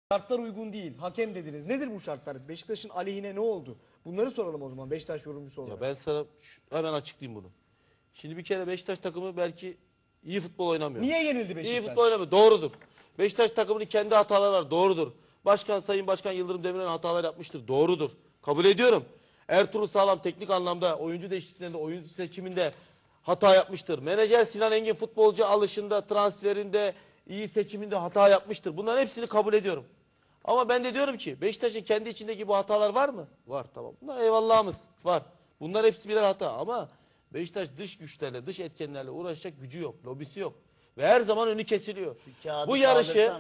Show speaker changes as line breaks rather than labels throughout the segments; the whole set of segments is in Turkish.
Şartlar uygun değil. Hakem dediniz. Nedir bu şartlar? Beşiktaş'ın aleyhine ne oldu? Bunları soralım o zaman Beşiktaş yorumcusu olarak.
Ya ben sana hemen açıklayayım bunu. Şimdi bir kere Beşiktaş takımı belki iyi futbol oynamıyor.
Niye yenildi Beşiktaş?
İyi futbol oynamıyor. Doğrudur. Beşiktaş takımının kendi hataları var. Doğrudur. Sayın Başkan Yıldırım Demirören hatalar yapmıştır. Doğrudur. Kabul ediyorum. Ertuğrul Sağlam teknik anlamda oyuncu değişikliklerinde, oyuncu seçiminde hata yapmıştır. Menajer Sinan Engin futbolcu alışında, transferinde, iyi seçiminde hata yapmıştır. Bunların hepsini kabul ediyorum. Ama ben de diyorum ki Beşiktaş'ın kendi içindeki bu hatalar var mı? Var, tamam. Bunlar eyvallahımız var. Bunlar hepsi birer hata ama Beşiktaş dış güçlerle, dış etkenlerle uğraşacak gücü yok, lobisi yok. Ve her zaman önü kesiliyor. Bu yarışı,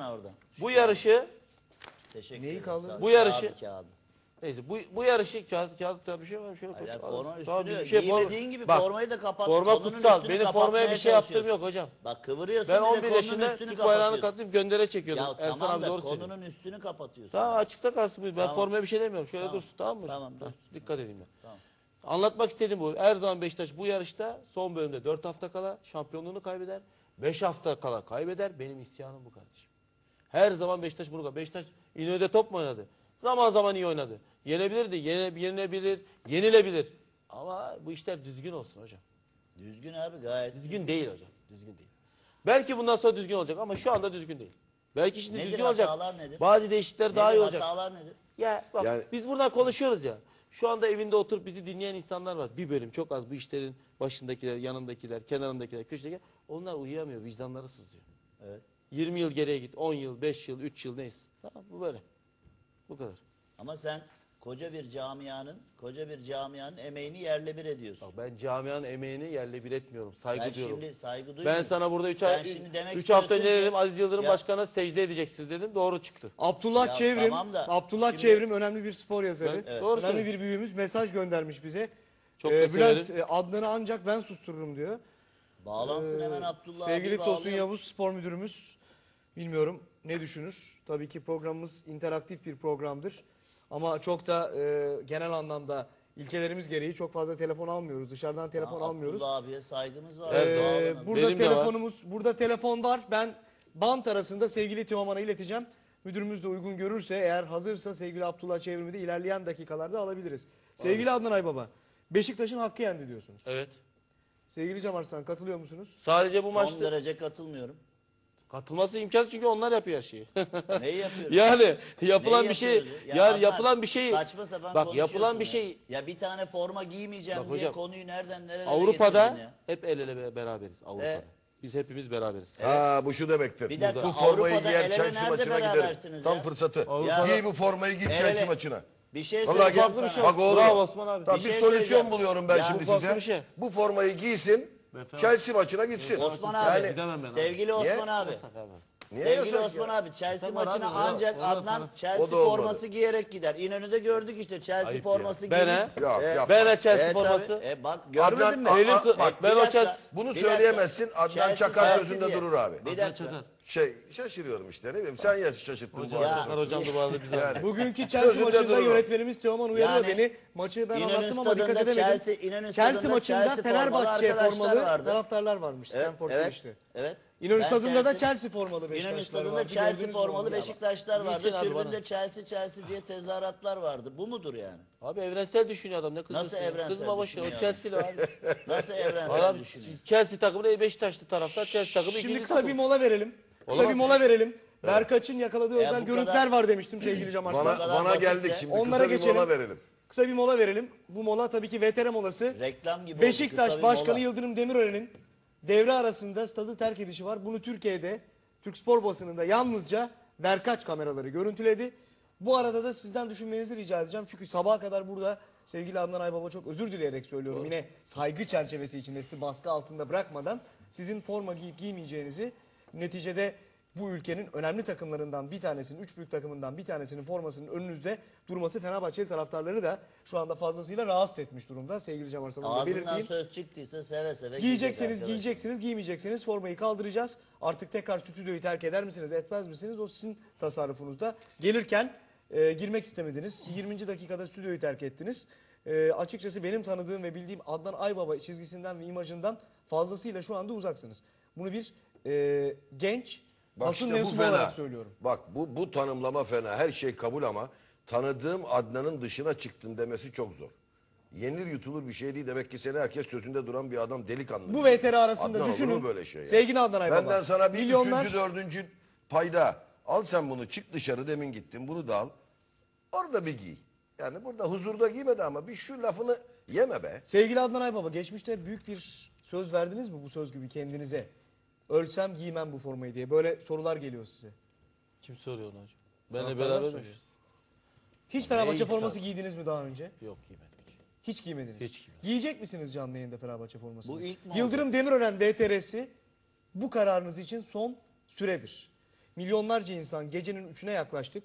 Neyi kaldırdın?
Bu yarışı, neyse bu yarışı kağıt bir şey var. Şöyle
forma
üstünü,
üstünü giymediğin gibi
bak,
formayı da kapat.
Forma kutsal. Benim formaya bir şey yaptığım yok hocam.
Bak kıvırıyorsun.
Ben 11 yaşında Türk bayrağını katlayıp göndere çekiyordum.
Ya
Ersan
tamam
abi
da
doğru
konunun
söylüyor.
üstünü kapatıyorsun.
Tamam, açıkta kalsın. Ben
Tamam.
formaya bir şey demiyorum. Şöyle
Tamam.
dursun, tamam mı?
Tamam, dur.
Dikkat edeyim ben.
Tamam.
Anlatmak istediğim bu. Her zaman Beşiktaş bu yarışta son bölümde 4 hafta kala şampiyonluğunu kaybeder. 5 hafta kala kaybeder. Benim isyanım bu kardeşim. Her zaman Beşiktaş bunu kaybeder. Beşiktaş İnönü'de top mu oynadı? Zaman zaman iyi oynadı. Yenebilirdi, yenilebilir, yenilebilir. Ama bu işler düzgün olsun hocam.
Düzgün abi, gayet.
Düzgün değil hocam. Düzgün değil. Belki bundan sonra düzgün olacak ama şu anda düzgün değil. Belki şimdi
Nedir
düzgün olacak.
hatalar nedir?
Bazı değişiklikler daha iyi olacak.
Hatalar nedir?
Ya bak
Yani-
biz buradan konuşuyoruz ya. Şu anda evinde oturup bizi dinleyen insanlar var. Bir bölüm çok az bu işlerin başındakiler, yanındakiler, kenarındakiler, köşedekiler. Onlar uyuyamıyor, vicdanları sızıyor.
Evet.
20 yıl geriye git, 10 yıl, 5 yıl, 3 yıl neyse. Tamam, bu böyle. Bu kadar.
Ama sen koca bir camianın emeğini yerle bir ediyorsun.
Bak ben camianın emeğini yerle bir etmiyorum. Saygı
Ben
duyuyorum.
şimdi saygı duymuyorum.
Ben sana burada 3
Sen şimdi demek
hafta önce
istiyorsun
dedim
ki-
Aziz Yıldırım
Ya-
Başkan'a secde edeceksiniz dedim. Doğru çıktı.
Abdullah
Ya
Çevrim,
tamam da
Abdullah
şimdi-
Çevrim önemli bir spor yazarı.
Evet. Doğru
Önemli
söylüyor.
bir büyüğümüz mesaj göndermiş bize.
Çok da
Bülent
severim.
Adnan'ı ancak ben sustururum diyor.
Bağlansın hemen Abdullah
Sevgili
abi,
Tosun
bağlayalım.
Yavuz spor müdürümüz bilmiyorum ne düşünür. Tabii ki programımız interaktif bir programdır. Ama çok da genel anlamda ilkelerimiz gereği çok fazla telefon almıyoruz. Dışarıdan telefon almıyoruz.
Abdullah abiye saygımız var.
Evet,
Bağlanalım.
Burada
Benim de var.
burada telefon var. Ben bant arasında sevgili Teoman'a ileteceğim. Müdürümüz de uygun görürse, eğer hazırsa sevgili Abdullah Çevrim'i de ilerleyen dakikalarda alabiliriz. Sevgili Adnan Aybaba, Beşiktaş'ın hakkı yendi diyorsunuz.
Evet.
Sevgili Cem Arslan, katılıyor musunuz?
Sadece bu
Son
maçta
derece katılmıyorum.
katılması imkansız çünkü onlar yapıyor her şeyi.
Neyi yapıyoruz?
Yani yapılan
Neyi
bir şey,
yapıyoruz ya?
yani
Adnan,
yapılan bir şey.
saçma sapan
Bak
konuşuyorsun
yapılan bir
ya.
şey.
Ya bir tane forma giymeyeceğim
Bak
diye
hocam,
konuyu nereden nereye
Avrupa'da
getirdin ya?
hep el ele beraberiz Avrupa'da. Biz hepimiz beraberiz.
Ha, bu şu demektir.
Bir dakika,
Bu formayı
Avrupa'da
giyer
el ele
Chelsea
nerede
maçına giderim.
berabersiniz
Tam
ya?
fırsatı.
Avrupa'da-
Giy bu formayı git
El
Chelsea
ele-
maçına.
Bir şey
Vallahi
söyleyeceğim
gel.
sana.
Bak oğlum.
Bravo Osman abi.
Tamam,
Bir
bir
şey
solüsyon
söyleyeceğim.
buluyorum ben
Ya
şimdi
bu farklı
size.
bir şey.
Bu formayı giysin. Chelsea maçına gitsin.
Osman abi,
Yani
Gidemem ben abi.
sevgili Osman
Niye?
abi.
niye
Sevgili
yasak
Osman
ya?
abi, Chelsea
Sen var
maçına
abi,
ancak
o da
Adnan
sana-
O
Chelsea
da olmadı.
forması giyerek gider. İnönü'de gördük işte Chelsea
Ayıp
forması
ya. Ben
giymiş.
he?
Yok, yapma.
Ben de Chelsea
Evet
forması.
abi. Bak görmedin mi?
Adnan-
Bak ben
Bir
o
dakika.
Chelsea.
Bunu
Bir dakika.
söyleyemezsin. Adnan
Chelsea,
Çakar
Chelsea
sözünde
diye.
durur abi.
Bir dakika.
Şaşırıyorum işte, ne bileyim, sen ya şaşırttın bu
Hocam,
arada.
Çakar hocam da bağlı bize.
Yani.
Bugünkü Chelsea
Sözünde
maçında
dururum.
yönetmenimiz Teoman uyarıyor
Yani
beni. Maçı ben
İnönü
anlattım ama dikkat
stadında
edemedim.
İnönü
Chelsea
stadında
maçında
Chelsea formalı
Fenerbahçe
arkadaşlar
formalı
vardı.
taraftarlar varmış. Stanford
Evet.
Bridge'te.
Evet.
İnönü
Ben
stadında da
seyrettim.
Chelsea formalı
İnönü
Beşiktaşlar
stadında
vardı.
Chelsea
Gördünüz mü
formalı
onu?
Beşiktaşlar vardı.
Giysin abi
Tribünde
bana.
Chelsea diye tezahüratlar vardı. Bu mudur yani?
Abi evrensel düşünüyor adam, ne kızıyorsun?
Nasıl evrensel
Kızma boşuna, o
düşünüyor
Chelsea'li abi.
Nasıl evrensel
Adam
düşünüyor?
Chelsea takımı Beşiktaşlı taraftar, Chelsea takımı
Şimdi
ikinci
kısa
takım.
bir mola verelim. Kısa
Olamaz
bir mola verelim. Berkaç'ın yakaladığı
Ya
özel
bu
görüntüler
kadar-
var demiştim sevgili Cem Arslan.
Bana,
kadar
bana geldik
basitse
şimdi,
onlara
kısa bir
geçelim.
mola verelim.
Kısa bir mola verelim. Bu mola tabii ki VTR molası.
Reklam gibi oldu,
Beşiktaş
kısa bir
Başkanı
mola.
Yıldırım Demirören'in devre arasında stadı terk edişi var. Bunu Türkiye'de, Türk spor basınında yalnızca Berkaç kameraları görüntüledi. Bu arada da sizden düşünmenizi rica edeceğim. Çünkü sabaha kadar burada sevgili Adnan Aybaba, çok özür dileyerek söylüyorum. Yine saygı çerçevesi içinde, sizi baskı altında bırakmadan, sizin forma giyip giymeyeceğinizi, neticede bu ülkenin önemli takımlarından bir tanesinin, üç büyük takımından bir tanesinin formasının önünüzde durması Fenerbahçeli taraftarları da şu anda fazlasıyla rahatsız etmiş durumda. Sevgili Cem Arslan'ı da
Ağzından
belirteyim.
söz çıktıysa seve seve
Giyecekseniz
giyecek
giyeceksiniz, giymeyeceksiniz, formayı kaldıracağız. Artık tekrar stüdyoyu terk eder misiniz, etmez misiniz? O sizin tasarrufunuzda. Gelirken girmek istemediniz. 20. dakikada stüdyoyu terk ettiniz. Açıkçası benim tanıdığım ve bildiğim Adnan Aybaba çizgisinden ve imajından fazlasıyla şu anda uzaksınız. Bunu bir genç
Bak
Basın
işte bu
mensubu
fena.
olarak söylüyorum.
Bak bu tanımlama fena. Her şey kabul ama tanıdığım Adnan'ın dışına çıktın demesi çok zor. Yenilir yutulur bir şey değil. Demek ki seni herkes sözünde duran bir adam, delikanlı.
Bu
bir
VTR arasında
Adnan, olur
düşünün.
mu böyle şey ya?
Sevgili Adnan Aybaba.
Benden sana bir
Milyonlar-
üçüncü, dördüncü payda. Al sen bunu, çık dışarı, demin gittin, bunu da al. Orada bir giy. Yani burada huzurda giymedi ama bir şu lafını yeme be.
Sevgili Adnan Aybaba, geçmişte büyük bir söz verdiniz mi bu söz gibi kendinize? Ölsem giymem bu formayı diye. Böyle sorular geliyor size.
Kim soruyor onu hocam? Benle
Taraftarlar
beraber mi?
soruyor. Hiç Fenerbahçe
insan.
forması giydiniz mi daha önce?
Yok giymedim hiç.
Hiç giymediniz.
Hiç giymedim.
Giyecek misiniz canlı yayında Fenerbahçe formasını?
Bu ilk mi
Yıldırım Demirören VTR'si bu kararınız için son süredir. Milyonlarca insan, gecenin 3'üne yaklaştık.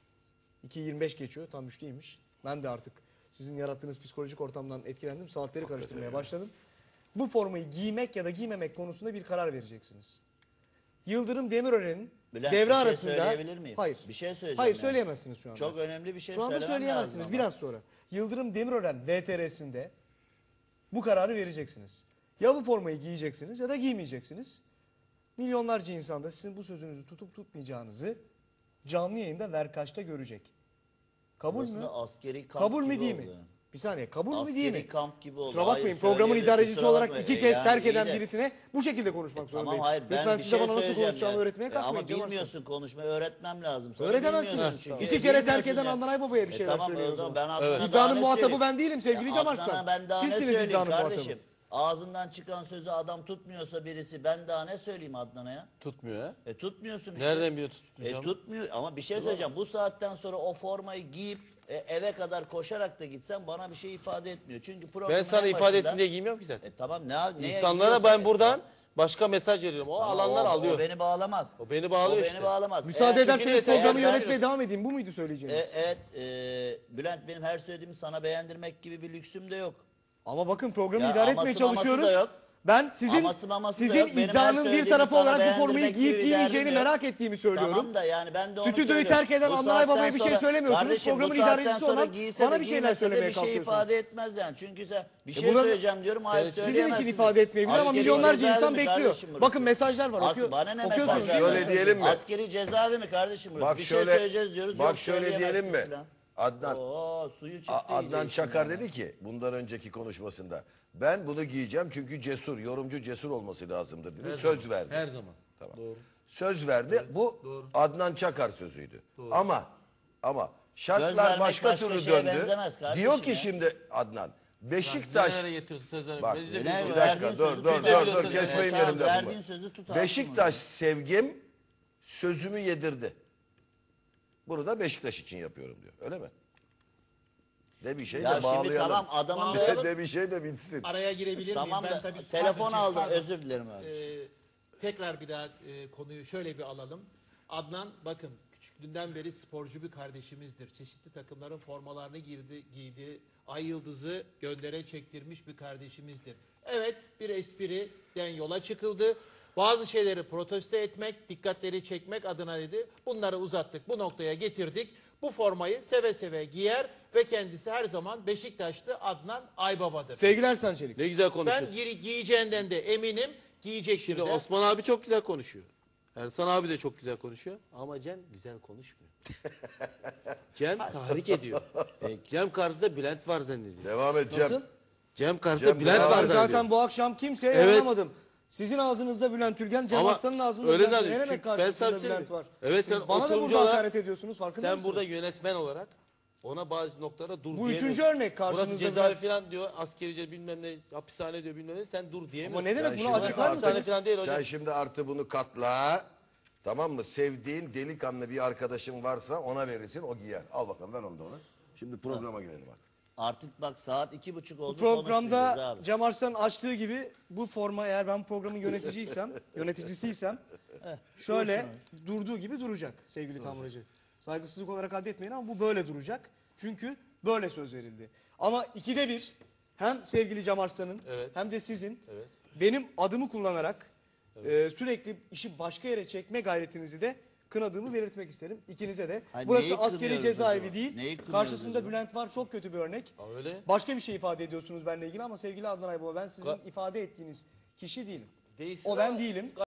2.25 geçiyor, tam 3'teymiş. Ben de artık sizin yarattığınız psikolojik ortamdan etkilendim. Saatleri karıştırmaya başladım. Bu formayı giymek ya da giymemek konusunda bir karar vereceksiniz. Yıldırım Demirören'in
Bülent,
devre
bir şey
arasında...
söyleyebilir miyim?
Hayır.
Bir şey söyleyeceğim
Hayır
yani.
söyleyemezsiniz şu anda.
Çok önemli bir şey
Şu anda
söylemem
söyleyemezsiniz
lazım
biraz sonra. Yıldırım Demirören VTR'sinde bu kararı vereceksiniz. Ya bu formayı giyeceksiniz ya da giymeyeceksiniz. Milyonlarca insan da sizin bu sözünüzü tutup tutmayacağınızı canlı yayında Verkaç'ta görecek. Kabul
Burası
mü?
da askeri kamp
Kabul mü
gibi
değil mi?
oldu yani.
Bir saniye, kabul mü değil mi?
Askeri kamp gibi oldu.
Kusura
Hayır,
bakmayın, programın
söyleyebilir,
idarecisi
kusura
olarak
bakmayın.
2 kez
Yani
terk
iyi
eden
de-
birisine bu şekilde konuşmak zorundayım.
Tamam hayır ben
Lütfen
bir
siz de
şey
bana nasıl
söyleyeceğim
konuşacağımı
yani.
öğretmeye kalkmayın.
Ama
Cem Arslan.
bilmiyorsun konuşmayı, öğretmem lazım. Sana
Öğretemezsiniz.
bilmiyorsun çünkü.
2 kere terk
Bilmiyorsun
eden
yani.
Adnan Aybaba'ya bir şeyler
Tamam
söylüyor o
o zaman
zaman.
ben Adnan'a daha
İddianın
ne
muhatabı
söyleyeyim?
ben değilim sevgili Cem Arslan.
Adnan'a ben daha ne
Sizsiniz
söyleyeyim
iddianın
kardeşim?
muhatabı.
Ağzından çıkan sözü adam tutmuyorsa birisi ben daha ne söyleyeyim Adnan'a ya?
Tutmuyor ha.
Tutmuyorsun işte.
Nereden biliyor tutmayacağımı?
Tutmuyor ama bir şey söyleyeceğim. Bu saatten sonra o formayı giyip eve kadar koşarak da gitsen bana bir şey ifade etmiyor. Çünkü programın
Ben sana
en
ifade
başında-
etsin diye giymiyorum ki zaten.
Tamam neye
İnsanlara
giyiyorsa-
ben buradan başka mesaj veriyorum. O
Tamam,
alanlar
o
alıyor.
beni bağlamaz.
O beni bağlıyor
O
işte.
beni bağlamaz.
Müsaade
Eğer-
ederseniz
Çünkü
programı
eğer-
yönetmeye devam edeyim. Bu muydu söyleyeceğiniz?
Evet Bülent benim her söylediğimi sana beğendirmek gibi bir lüksüm de yok.
Ama bakın programı
Ya
idare
aması
etmeye
maması
çalışıyoruz.
da yok.
Ben sizin
Aması maması da
sizin
yok. Benim her
iddianın bir
söylediğimi
tarafı
sana
olarak bu formayı
beğendirmek
giyip
gibi bir
giymeyeceğini
derdim yok.
merak ettiğimi söylüyorum.
Tamam da yani ben de onu
Stüdyoyu
söylüyorum.
terk eden
Bu
Adnan
saatten
Aybaba'ya bir şey
sonra-
söylemiyorsunuz.
Kardeşim, bu
Programın
saatten
idarecisi
sonra
olan
giyse
bana
de
bir şeyler
giymese de
söylemeye
bir şey
kalkıyorsunuz.
ifade etmez yani. Çünkü sen bir şey
bunlar-
söyleyeceğim diyorum. Hayır
Sizin için
söyleyemezsin.
Sizin için ifade etmeyebilir ama
Askeri
milyonlarca
cezaevi
insan
mi
bekliyor.
kardeşim burası?
Bakın mesajlar var.
Bana ne
okuyorsunuz
mesajlar?
değil mi?
Şöyle diyelim mi?
Askeri cezaevi mi kardeşim burası?
Bak
bir
şöyle,
şey söyleyeceğiz diyoruz.
bak
yok
şöyle diyelim
söyleyemezsin
mi?
falan.
Adnan,
Oo suyu çıktı
Adnan
iyice
Çakar
işinden
dedi ki bundan önceki konuşmasında ben bunu giyeceğim çünkü cesur, yorumcu cesur olması lazımdır dedi. Söz verdi.
Her zaman.
Tamam.
Doğru.
Söz verdi. Bu Adnan Çakar sözüydü. Ama şartlar
vermek
başka
başka
türlü
şeye
döndü.
benzemez kardeşim
Diyor ki
ya.
şimdi Adnan Beşiktaş
Nereye getiriyorsun sözleri?
bak
Biz de
bir
biliyoruz.
verdiğin
dakika dur
sözü
dur
tutabiliyorsun.
dur kesmeyin
Tamam,
benim
verdiğin
lafımı.
sözü tutarsın
Beşiktaş sevgim sözümü yedirdi. Bunu da Beşiktaş için yapıyorum diyor. Öyle mi? De bir şey
Ya
de
şimdi
bağlayalım.
tamam adamın da
De bir şey de bitsin.
Araya girebilir miyim?
tamam
Ben
da
tabii
telefon
sadece-
aldım
pardon.
özür dilerim abi.
Tekrar bir daha konuyu şöyle bir alalım. Adnan bakın küçüklüğünden beri sporcu bir kardeşimizdir. Çeşitli takımların formalarını giydi. Ay yıldızı göndere çektirmiş bir kardeşimizdir. Evet bir espriden yola çıkıldı. Bazı şeyleri protesto etmek, dikkatleri çekmek adına dedi. Bunları uzattık, bu noktaya getirdik. Bu formayı seve seve giyer ve kendisi her zaman Beşiktaşlı Adnan Aybaba'dır.
Sevgili Ersan Çelik.
Ne güzel
Ben
konuşuyorsun.
giyeceğinden de eminim, giyecektir
Şimdi
de.
Osman abi çok güzel konuşuyor. Ersan abi de çok güzel konuşuyor. Ama Cem güzel konuşmuyor. Cem tahrik ediyor. Cem karşısında Bülent var zannediyor.
Devam et Cem.
Nasıl?
Cem karşısında
Cem,
Bülent
devam
var
Ben
et.
zannediyor.
zaten bu akşam kimseye
Evet.
yaramadım. Sizin ağzınızda Bülent Ülgen, Cem
Ama
Arslan'ın ağzında
öyle
Bülent. Ne
zannediyor.
demek
Çünkü ben
karşısında
sana
Bülent
söyleyeyim.
var?
Evet,
Siz
sen
bana da
oturumcu
burada
olarak-
hakaret ediyorsunuz farkında
Sen
mısınız?
burada yönetmen olarak ona bazı noktalara dur
Bu
diyemiyorsun.
üçüncü örnek
Burası
karşınızda
cezaevi
Bülent-
falan diyor, askerice bilmem ne, hapishane diyor bilmem ne, sen dur
Ama
diyemiyorsun.
ne demek
Sen
bunu
şimdi
açıklar
hapishane
mısınız?
falan değil hocam.
Sen şimdi artı bunu katla. Tamam mı? Sevdiğin delikanlı bir arkadaşın varsa ona verirsin, o giyer. Al bakalım ver onu da ona. Şimdi programa gelelim artık.
Artık bak saat 2:30 oldu.
Programda
konuşmayacağız abi.
Cem Arslan'ın açtığı gibi bu forma eğer ben programın yöneticisiysem şöyle durduğu gibi duracak sevgili Tamracı. Saygısızlık olarak addetmeyin ama bu böyle duracak. Çünkü böyle söz verildi. Ama 2'de 1 hem sevgili Cem Arslan'ın
Evet.
hem de sizin
Evet.
benim adımı kullanarak sürekli işi başka yere çekme gayretinizi de kınadığımı belirtmek isterim. İkinize de.
Hayır,
Burası
neyi
askeri
kınıyoruz
cezaevi
acaba?
değil.
Neyi kınıyoruz
Karşısında
acaba?
Bülent var, çok kötü bir örnek.
Ha, öyle.
Başka bir şey ifade ediyorsunuz benimle ilgili ama sevgili Adnan Aybaba ben sizin
Ka-
ifade ettiğiniz kişi değilim.
Değilsin
O ben
ama-
değilim.